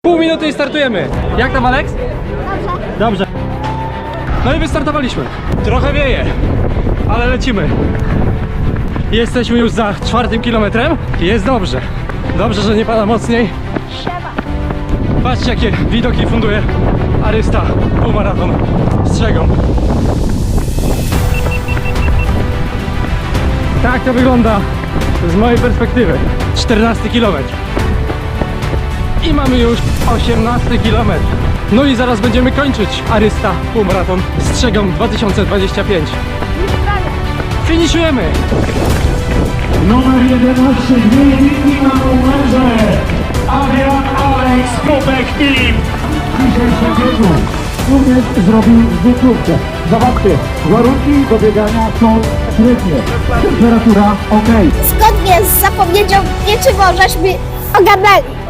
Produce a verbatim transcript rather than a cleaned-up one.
Pół minuty i startujemy. Jak tam, Aleks? Dobrze. Dobrze. No i wystartowaliśmy. Trochę wieje, ale lecimy. Jesteśmy już za czwartym kilometrem. Jest dobrze. Dobrze, że nie pada mocniej. Siema. Patrzcie, jakie widoki funduje Arysta półmaraton Strzegom. Tak to wygląda z mojej perspektywy. czternasty kilometr. I mamy już osiemnasty kilometr. No i zaraz będziemy kończyć Arysta półmaraton Strzegom dwa tysiące dwadzieścia pięć. Już prawie. Finiszujemy! Numer jedenaście, dwie jedynki na numerze Adrian Aleks Kopek Filip. Dzisiejszym biegu również zrobił zbiegówkę. Zobaczcie, warunki do biegania są średnie. Temperatura ok. Zgodnie z zapowiedzią nie czy możesz mi ogarnęli.